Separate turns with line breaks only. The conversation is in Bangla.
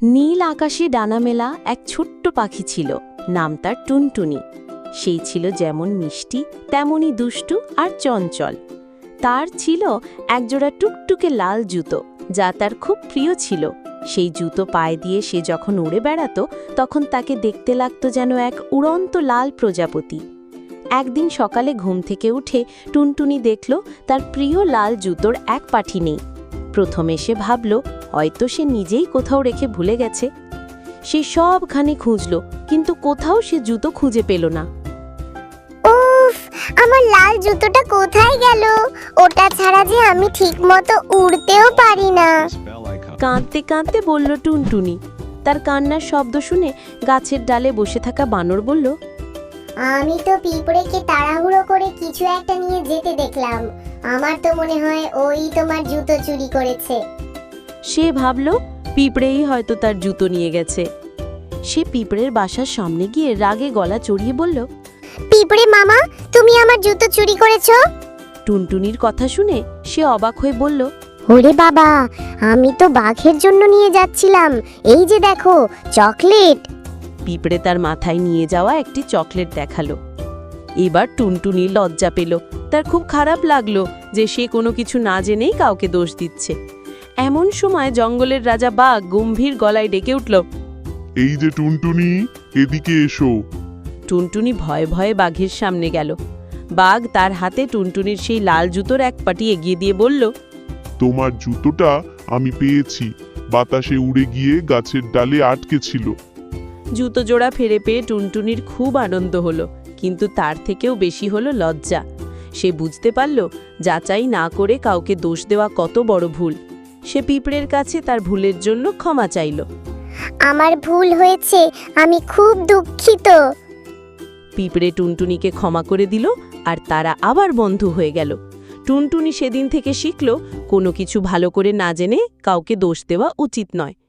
নীল আকাশে ডানা মেলা এক ছোট্ট পাখি ছিল, নাম তার টুনটুনি। সেই ছিল যেমন মিষ্টি তেমনই দুষ্টু আর চঞ্চল। তার ছিল একজোড়া টুকটুকে লাল জুতো, যা তার খুব প্রিয় ছিল। সেই জুতো পায়ে দিয়ে সে যখন উড়ে বেড়াতো, তখন তাকে দেখতে লাগতো যেন এক উড়ন্ত লাল প্রজাপতি। একদিন সকালে ঘুম থেকে উঠে টুনটুনি দেখল তার প্রিয় লাল জুতোর এক পাটি নেই। প্রথমে সে ভাবল হয়তো সে নিজেই কোথাও রেখে ভুলে গেছে। সে সবখানে খুঁজল, কিন্তু কোথাও সে জুতো খুঁজে পেল না।
উফ, আমার লাল জুতোটা কোথায় গেল? ওটা ছাড়া যে আমি ঠিকমতো উড়তেও পারি না।
কাঁদতে কাঁদতে বলল টুনটুনি। তার কান্নার শব্দ শুনে গাছের ডালে বসে থাকা বানর বলল,
আমি তো পিঁপড়েকে তাড়াহুড়ো করে কিছু একটা নিয়ে যেতে দেখলাম। আমার তো মনে হয় ওই তোমার জুতো চুরি করেছে।
সে ভাবল পিঁপড়েই হয়তো তার জুতো নিয়ে গেছে। সে পিঁপড়ের বাসার সামনে গিয়ে রাগে গলা চড়িয়ে বলল,
পিঁপড়ে মামা, তুমি আমার জুতো চুরি করেছো?
টুনটুনির কথা শুনে সে অবাক হয়ে বলল,
ওরে বাবা, আমি তো বাঘের জন্য নিয়ে যাচ্ছিলাম। এই যে দেখো, চকলেট।
পিঁপড়ে তার মাথায় নিয়ে যাওয়া একটি চকলেট দেখালো। এবার টুনটুনি লজ্জা পেল। তার খুব খারাপ লাগলো যে সে কোনো কিছু না জেনেই কাউকে দোষ দিচ্ছে। এমন সময় জঙ্গলের রাজা বাঘ গম্ভীর গলায় ডেকে উঠল,
এই যে টুনটুনি, এদিকে এসো।
টুনটুনি ভয়ে ভয়ে বাঘের সামনে গেল। বাঘ তার হাতে টুনটুনির সেই লাল জুতোর এক পাটি এগিয়ে দিয়ে বলল,
তোমার জুতোটা আমি পেয়েছি, বাতাসে উড়ে গিয়ে গাছের ডালে আটকে ছিল।
জুতো জোড়া ফিরে পেয়ে টুনটুনির খুব আনন্দ হলো, কিন্তু তার থেকেও বেশি হলো লজ্জা। সে বুঝতে পারল যাচাই না করে কাউকে দোষ দেওয়া কত বড় ভুল। সে পিঁপড়ের কাছে তার ভুলের জন্য ক্ষমা চাইল।
আমার ভুল হয়েছে, আমি খুব দুঃখিত।
পিঁপড়ে টুনটুনিকে ক্ষমা করে দিল, আর তারা আবার বন্ধু হয়ে গেল। টুনটুনি সেদিন থেকে শিখল কোনো কিছু ভালো করে না জেনে কাউকে দোষ দেওয়া উচিত নয়।